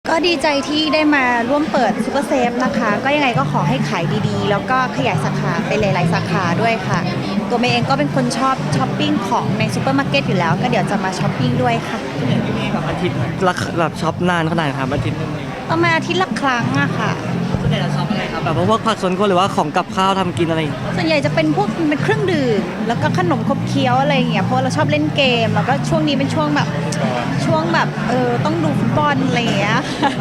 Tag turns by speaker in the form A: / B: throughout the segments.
A: ก็ดีใจที่ได้มาร่วมเปิดซูเปอร์เซฟนะคะก็ยังไงก็ขอให้ขายดีๆแล้วก็ขยายสาขาไปหลายๆสาขาด้วยค่ะตัวเมย์เองก็เป็นคนชอบช้อปปิ้งของในซูเปอร์มาร์เก็ตอยู่แล้วก็เดี๋ยวจะมาช้อปปิ้งด้วยค่ะ
B: แบบอาทิตย์ละแบบช็อปนานขนาดไหนครับอาทิตย์นึง
A: ประมาณอาทิตย์ละครั้งอะค่ะ
B: ส่วนใหญ่เราช็อปอะไรครับแบบพวกผักสวนครัวหรือว่าของกับข้าวทำกินอะไร
A: ส่วนใหญ่จะเป็นพวกเป็นเครื่องดื่มแล้วก็ขนมขบเคี้ยวอะไรอย่างเงี้ยเพราะเราชอบเล่นเกมแล้วก็ช่วงนี้เป็นช่วงแบบต้องดูฟุตบอลอะไรอย่างเงี้ย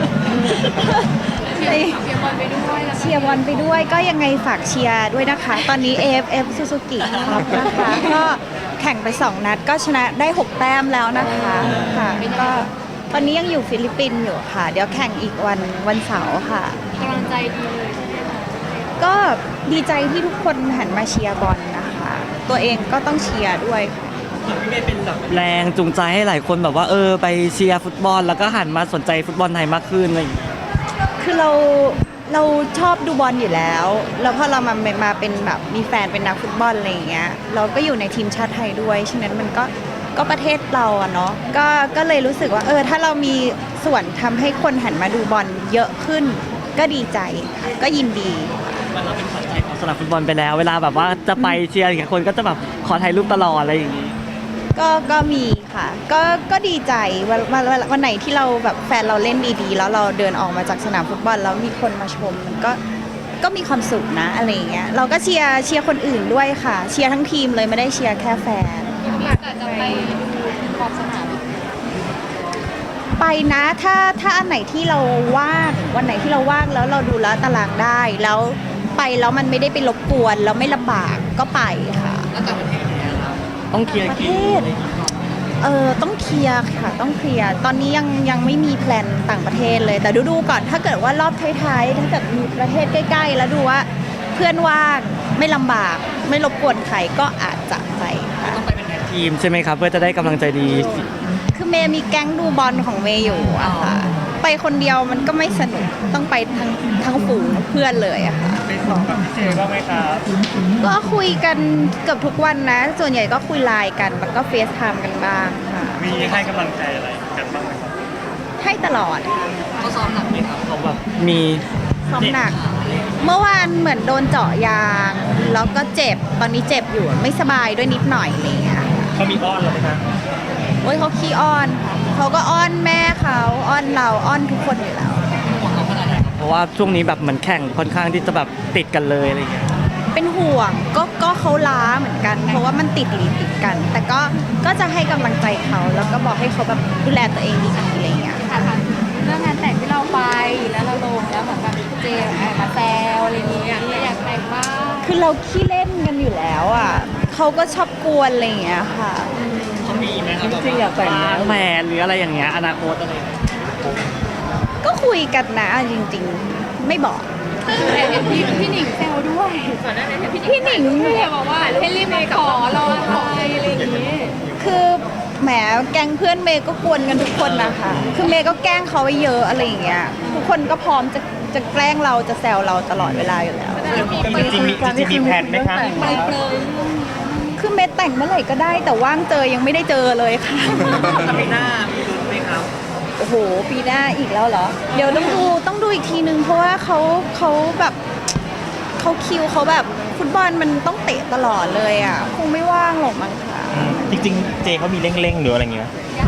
A: เชียร์บอลไปด้วยก็ยังไงฝากเชียร์ด้วยนะคะตอนนี้ AFF Suzuki ครับนะคะก็แข่งไป2นัดก็ชนะได้6แต้มแล้วนะคะค่ะก็ตอนนี้ยังอยู่ฟิลิปปินส์อยู่ค่ะเดี๋ยวแข่งอีกวันเสาร์ค่ะ
C: กำลังใจดีเลยใช่ไหมคะ
A: ก็ดีใจที่ทุกคนหันมาเชียร์บอลนะคะตัวเองก็ต้องเชียร์ด้วยค่ะ
B: พี่เมย์เป็นแบบแรงจูงใจให้หลายคนแบบว่าไปเชียร์ฟุตบอลแล้วก็หันมาสนใจฟุตบอลไทยมากขึ้นอะไรอย่างเงี้ย
A: คือเราชอบดูบอลอยู่แล้วแล้วพอเรามาเป็นแบบมีแฟนเป็นนักฟุตบอลอะไรอย่างเงี้ยเราก็อยู่ในทีมชาติไทยด้วยฉะนั้นมันก็ประเทศเราอะเนาะก็เลยรู้สึกว่าถ้าเรามีส่วนทำให้คนหันมาดูบอลเยอะขึ้นก็ดีใจก็ยินดี
B: มันเราเป็นขวัญใจของสนามฟุตบอลไปแล้วเวลาแบบว่าจะไปเชียร์อย่างคนก็จะแบบขอถ่ายรูปตลอดอะไรอย่างงี้
A: ก็มีค่ะก็ดีใจวันไหนที่เราแบบแฟนเราเล่นดีๆแล้วเราเดินออกมาจากสนามฟุตบอลแล้วมีคนมาชมมันก็มีความสุขนะอะไรอย่างเงี้ยเราก็เชียร์คนอื่นด้วยค่ะเชียร์ทั้งทีมเลยไม่ได้เชียร์แค่แฟน
C: มีโอกาสจะไปดูขอบสนาม
A: ไปนะถ้าอันไหนที่เราว่างวันไหนที่เราว่างแล้วเราดูแล้วตารางได้แล้วไปแล้วมันไม่ได้ไปรบกวนแล้วไม่ลำบากก็ไปค่ะ
B: แล้วต่างประเทศเนี่ยครับต้องเคลียร์
A: ประเทศต้องเคลียร์ค่ะต้องเคลียร์ตอนนี้ยังไม่มีแพลนต่างประเทศเลยแต่ดูก่อนถ้าเกิดว่ารอบท้ายๆถ้าเกิดมีประเทศใกล้ๆแล้วดูว่าเพื่อนว่างไม่ลำบากไม่รบกวนใครก็อาจจะไปค่ะ
B: ต้องไปเป็นทีมใช่ไหมครับเพื่อจะได้กำลังใจดี
A: คือเมย์มีแก๊งดูบอลของเมย์อยู่อะค่ะไปคนเดียวมันก็ไม่สนุกต้องไปทั้งฝูงเพื่อนเลยอะค่ะ
B: ไปสองกับพี่เจก็ไหมครับ
A: ก็คุยกันเกือบทุกวันนะส่วนใหญ่ก็คุยไลน์กันแล้วก็เฟซไทม์กันบ้างค่ะ
B: มีให้กำลังใจอะไรกันบ้างไหมครับ
A: ให้ตลอด
B: เขาซ้อมหนักไหมครับเขาแบบมี
A: ซ้อมหนักเมื่อวานเหมือนโดนเจาะยางแล้วก็เจ็บตอนนี้เจ็บอยู่ไม่สบายด้วยนิดหน่อยอะไรอย่างเงี้ย
B: เขามีอ้อนเราไหมครับ
A: โอ้ยเขาขี้อ้อนเขาก็อ้อนแม่เขาอ้อนเราอ้อนทุกคนอยู่แล้ว
B: เพราะว่าช่วงนี้แบบเหมือนแข่งค่อนข้างที่จะแบบติดกันเลยอะไรเงี้ย
A: เป็นห่วงก็เขาล้าเหมือนกันเพราะว่ามันติดกันแต่ก็จะให้กำลังใจเขาแล้วก็บอกให้เขาแบบดูแลตัวเองดีๆอะไรเงี้ย
C: ค่ะเรื่องงานแต่งที่เราไปแล้วเราลงแล้วเหมือนแบบเจมาแซวอะไรอย่างเงี้ยอยากแต่งบ้าง
A: คือเราขี้เล่นกันอยู่แล้วอ่ะเขาก็ชอบกวนอะไรอย่างเงี้ยค่ะ
B: เขามีไหมครับจริงอยากแต่งแฟนหรืออะไรอย่างเงี้ยอนาคตอะไร
A: ก็คุยกันนะจริงๆไม่บอก
C: แต่เห็นพี่หนิงแซวด้วยพี่หนิงบอกว่าให้รีบมาขอเราอะไรอย่างงี้
A: คือแหมแก๊งเพื่อนเมย์ก็กวนกันทุกคนนะคะคือเมย์ก็แกล้งเขาไว้เยอะอะไรอย่างเงี้ยทุกคนก็พร้อมจะแกล้งเราจะแซวเราตลอดเวลาอยู่แล้ว
B: จริงมีแผนไหมคะ
A: คือเมย์แต่งเมื่อไหร่ก็ได้แต่ว่างเจอยังไม่ได้เจอเลยค่ะ
B: ปีหน้ามีลุ้นไหมครับ
A: โอ้โหปีหน้าอีกแล้วเหรอเดี๋ยวต้องดูอีกทีนึงเพราะว่าเขาแบบเขาคิวเขาแบบฟุตบอลมันต้องเตะตลอดเลยอ่ะคงไม่ว่างหรอกมั้งค่ะ
B: จริงๆเจเขามีเร่งหรืออะไรเงี้ย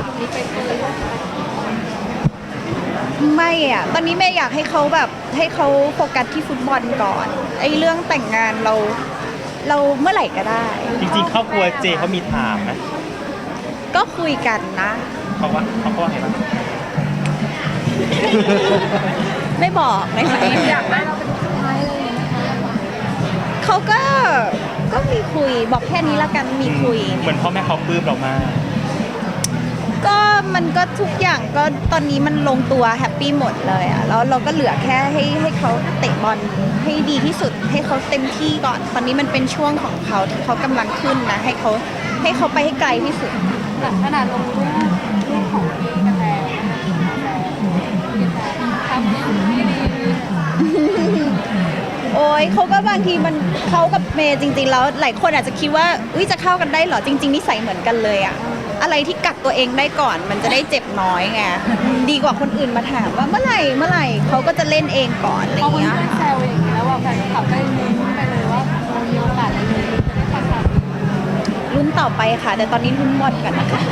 A: ไม่อ่ะตอนนี้เมย์อยากให้เขาโฟกัสที่ฟุตบอลก่อนไอ้เรื่องแต่งงานเราเมื่อไหร่ก็ได้
B: จริงๆครอบครัวเจเขามีถามนะ
A: ก็คุยกันนะ
B: เขาว่าไงบ้าง
A: ไม่บอกนะคะ
C: อยากได้เราเป็นสุดท้ายเลย
A: เขาก็มีคุยบอกแค่นี้ละกันมีคุย
B: เหมือนพ่อแม่เขาปลื้มเรามาก
A: ก็มันก็ทุกอย่างก็ตอนนี้มันลงตัวแฮปปี้หมดเลยอ่ะแล้วเราก็เหลือแค่ให้เขาเตะบอลให้ดีที่สุดให้เขาเต็มที่ก่อนตอนนี้มันเป็นช่วงของเขาที่เขากำลังขึ้นนะให้เขาไปให้ไกลที่สุด
C: ขนาดลงรูปของพี่กันแล้วทำไม่ดี
A: โอ้ยเขาก็บางทีมันเขากับเมย์จริงๆแล้วหลายคนอาจจะคิดว่าจะเข้ากันได้เหรอจริงๆนิสัยเหมือนกันเลยอะอะไรที่กักตัวเองได้ก่อนมันจะได้เจ็บน้อยไงดีกว่าคนอื่นมาถามว่าเมื่อไหร่เขาก็จะเล่นเองก่อนอะไร
C: พอเพื่
A: เงี้ย
C: อนๆแซวอย่างนี้แล้วแบบแฟนคลับก็ลุ้นไปเลยว่าเรามีโอกาสอะไรจะได้ไปค่ะ
A: ลุ้นต่อไปค่ะ แต่ตอนนี้ลุ้นบอลกันนะคะ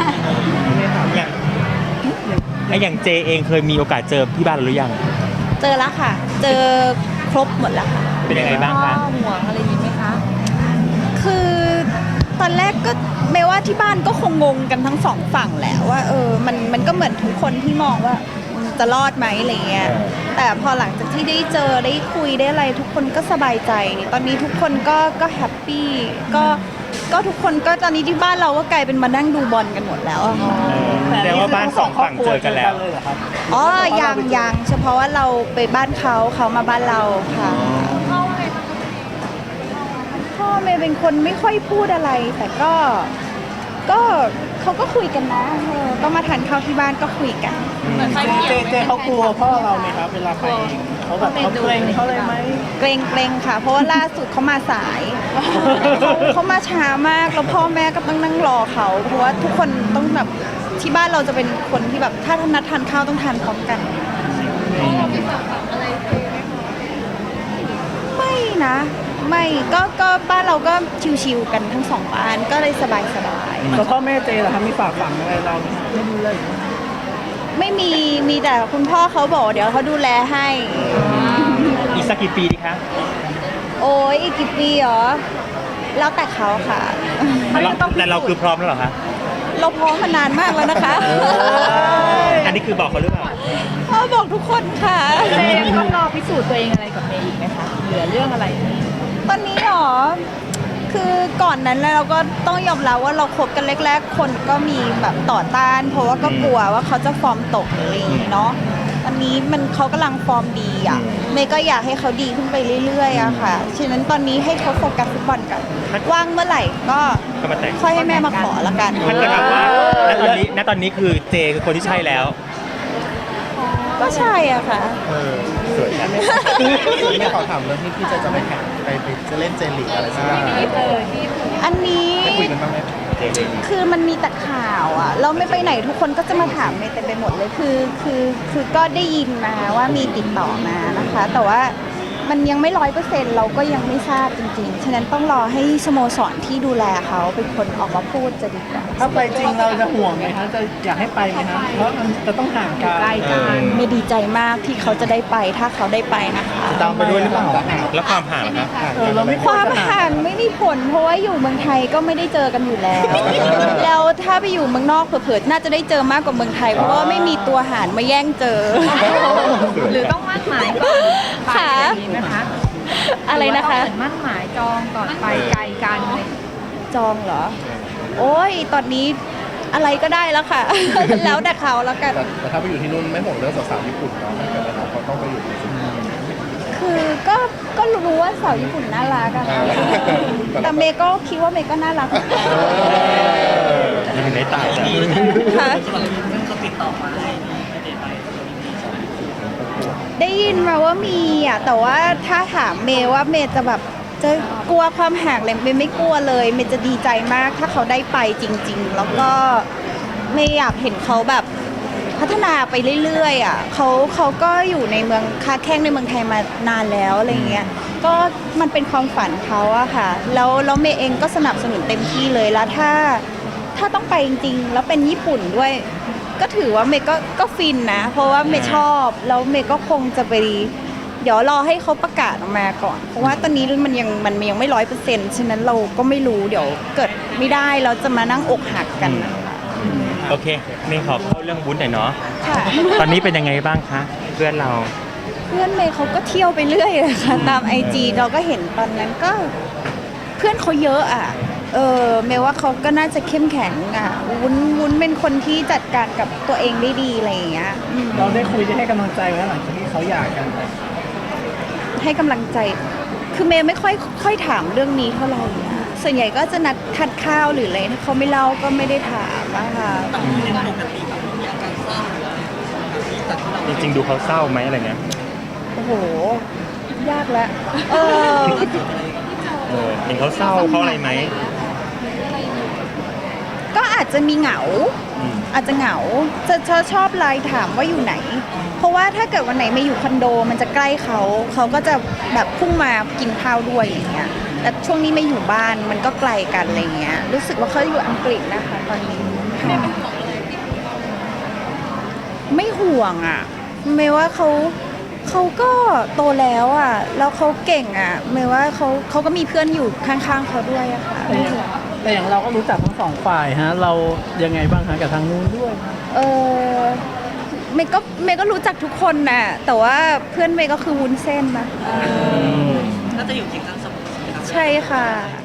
D: อย่างเจเองเคยมีโอกาสเจอที่บ้านหรือยัง
A: เจอแล้วค่ะ เจอครบหมดแล้วค่ะ
D: เป็นยังไงบ้างคะ
C: ห่วงอะไรอย่างนี้ไหมคะ
A: คือตอนแรกก็ไม่ว่าที่บ้านก็คงงงกันทั้งสองฝั่งแหละว่ามันก็เหมือนทุกคนที่มองว่าจะรอดไหมอะไรเงี้ยแต่พอหลังจากที่ได้เจอได้คุยได้อะไรทุกคนก็สบายใจ ตอนนี้ทุกคนก็แฮปปี้ก็ทุกคนก็ตอนนี้ที่บ้านเราก็กลายเป็นมานั่งดูบอลกันหมดแล้วอะค่ะ
D: แสดงว่าบ้านสองฝั่งเจอกันแล้ว
A: อ๋อยังเฉพาะว่าเราไปบ้านเขามาบ้านเราค่ะ
C: พ่อว่าไงบ้างคะ
A: พ่อเมย์เป็นคนไม่ค่อยพูดอะไร แต่ก็เขาก็คุยกันนะก็มาทานข้าวที่บ้านก็คุยกัน
C: เหมือนไฟเขียว
E: เจเขากลัวพ่อเราไหมครับเวลาไปเองเขาแบบเขาเกรงเขาเลยไหม
A: เกรงค่ะ เพราะว่าล่าสุดเขามาสาย เขามาช้ามากแล้วพ่อแม่ก็ต้องนั่งรอเขาเพราะว่าทุกคนต้องแบบที่บ้านเราจะเป็นคนที่แบบถ้านัดทานข้าวต้องทานพร้อมกัน
C: เรามีฝากฝังอะไรเจไหมคะ
A: ไม่นะไม่ก็บ้านเราก็ชิวๆกันทั้งสองบ้านก็เลยสบาย
E: แต่พ่อแม่เจเหรอครับมีฝากฝังอะไรเราไหมไม่ดูเลย
A: ๆไม่มีแต่คุณพ่อเขาบอกเดี๋ยวเขาดูแลให้
D: อีกสักกี่ปีดีคะ
A: โอ้ยอีกกี่ปีเหรอแล้วแต่เขาค่ะ
D: แต่เราคือพร้อมแล้วเหรอคะ
A: เราพร้อมมานานมากแล้วนะคะ
D: อันนี้คือบอกเขาหรือเปล่า
A: พ่อบอกทุกคนค่ะ
C: เจต้องรอพิสูจน์ตัวเองอะไรกับเมย์อีกไหมคะเหลือเรื่องอะไร
A: ตอนนี้หรอ คือก่อนนั้นเราก็ต้องยอมรับว่าเราคบกันแรกๆ คนก็มีแบบต่อต้าน เพราะว่าก็กลัวว่าเขาจะฟอร์มตกหรืออะไรอย่างงี้เนาะตอนนี้เขากำลังฟอร์มดีอ่ะเมย์ก็อยากให้เขาดีขึ้นไปเรื่อยๆอะค่ะ ฉะนั้นตอนนี้ให้เขาโฟกัสฟุตบอลกันว่างเมื่อไหร่ก็
D: ก็มาแต่ง
A: ค่อยให้แม่มาขอละกัน
D: ถ้าเกิดแบบว่าณตอนนี้คือเจคือคนที่ใช่แล้ว
A: ก็ใช่อ่ะค่ะ
D: สวยจัง
E: ไม่ขอถามเรื่องที่จะไปแข่งไปจะเล่นเจลีกอะไรสักอย่าง
A: อันนี้
E: คุยกันบ้างไหม
A: คือมันมีแต่ข่าวอ่ะเราไม่ไปไหนทุกคนก็จะมาถามเมย์เต็มไปหมดเลยคือก็ได้ยินมาว่ามีติดต่อมานะคะ แต่ว่ามันยังไม่100%เราก็ยังไม่ทราบจริงๆฉะนั้นต้องรอให้สโมสรที่ดูแลเขาเป็นคนออกมาพูดจะดีกว่า
E: ถ้าไปจริงเราจะห่วงไหมคะจะอยากให้ไปไหมคะเพราะมันจะต้องห่างกัน
A: เมย์ดีใจมากที่เขาจะได้ไปถ้าเขาได้ไปนะคะ
E: ตามไปด้วยหรือเปล่า
D: แล้วความห่างล่ะคะ
E: เราไม่
A: ความห่างไม่มีผลเพราะว่าอยู่เมืองไทยก็ไม่ได้เจอกันอยู่แล้ว แล้วถ้าไปอยู่เมืองนอกเผลอๆน่าจะได้เจอมากกว่าเมืองไทยเพราะว่าไม่มีตัวหารมาแย่งเจอ
C: หรือต้องมั่นหมายก่อนไป
A: ค่ะ
C: อย่างนี้ไหมคะ
A: อะไรนะคะ
C: หรือว่าต้องเหมือนมั่นหมายจองก่อนไปไกลกันอะไรอย่างเงี้ย
A: จองเหรอ โอ้ย ตอนนี้อะไรก็ได้แล้วค่ะ แล้วแต่เขาแล้วกัน
E: แต่ถ้าไปอยู่ที่นู่นไม่ห่วงเรื่องสาวๆญี่ปุ่นเนาะเขาต้องไปอยู่ที่นู่น
A: คือก็รู้ว่าสาวญี่ปุ่นน่ารักอะค่ะแต่เมย์ก็คิดว่าเมย์ก็น่ารักเหมือนกัน
D: ยังได้ตายจ้ะ
A: ค่ะได้ยินมาว่ามีอ่ะ แต่ว่าถ้าถามเมย์ว่าเมย์จะแบบจะกลัวความห่างเลยเมย์ไม่กลัวเลยเมย์จะดีใจมากถ้าเขาได้ไปจริง ๆ แล้วก็เมย์อยากเห็นเขาแบบพัฒนาไปเรื่อยๆอ่ะเขาก็อยู่ในเมืองค้าแข้งในเมืองไทยมานานแล้วอะไรเงี้ยก็มันเป็นความฝันเขาอะค่ะแล้วเมย์เองก็สนับสนุนเต็มที่เลยแล้วถ้าต้องไปจริงๆแล้วเป็นญี่ปุ่นด้วย ก็ถือว่าเมย์ก็ฟินนะ เพราะว่าเมย์ชอบแล้วเมย์ก็คงจะไปเดี๋ยวรอให้เขาประกาศออกมาก่อน เพราะว่าตอนนี้มันยังไม่100%ฉะนั้นเราก็ไม่รู้เดี๋ยวเกิดไม่ได้เราจะมานั่งอกหักกันนะคะ
D: โอเคนี่ขอเข้าเรื่องวุ้นหน่อยเนาะ
A: ค่ะ
D: ตอนนี้เป็นยังไงบ้างคะ เพื่อนเรา
A: เพื่อนเมย์เขาก็เที่ยวไปเรื่อยเลยค่ะตามIG เราก็เห็นตอนนั้นก็เพื่อนเขาเยอะอ่ะเมย์ว่าเขาก็น่าจะเข้มแข็งอ่ะวุ้นเป็นคนที่จัดการกับตัวเองได้ดีอะไรอย่างเงี้ย
E: เราได้คุยได้ให้กำลังใจไว้หลังจากที่เขาหย่ากัน
A: ให้กำลังใจ คือเมย์ไม่ค่อยถามเรื่องนี้เท่าไหร่อะส่วนใหญ่ก็จะนัดทานข้าวหรืออะไรถ้าเขาไม่เล่าก็ไม่ได้ถามอะค่ะ
D: จริงๆดูเขาเศร้าไหมอะไรเงี้ย
A: โอ้โห ยากแล้ว
D: เห็นเขาเศร้าเขาอะไรไหม
A: ก็อาจอาจจะมีเหงา อาจจะเหงาจะชอบไลน์ถามว่าอยู่ไหน เพราะว่าถ้าเกิดวันไหนไม่อยู่คอนโดมันจะใกล้เขาก็จะแบบพุ่งมากินข้าวด้วยอย่างเงี้ยแต่ช่วงนี้ไม่อยู่บ้านมันก็ไกลกันอะไรเงี้ยรู้สึกว่าเขาอยู่อังกฤษนะคะตอนนี้ไม่ห่วงอ่ะไม่ว่าเขาก็โตแล้วอ่ะแล้วเขาเก่งอ่ะไม่ว่าเขาก็มีเพื่อนอยู่ข้างๆเขาด้วยอะค่ะไม่ห่วง
F: แต่อย่างเราก็รู้จักทั้งสองฝ่ายฮะเรายังไงบ้างฮะกับทางนู้นด้วย
A: เมย์ก็รู้จักทุกคนน่ะแต่ว่าเพื่อนเมย์ก็คือวุ้นเส้นนะ
B: ก็จะอยู่เคียงข้างเสมอ
A: ใช่ค่ะ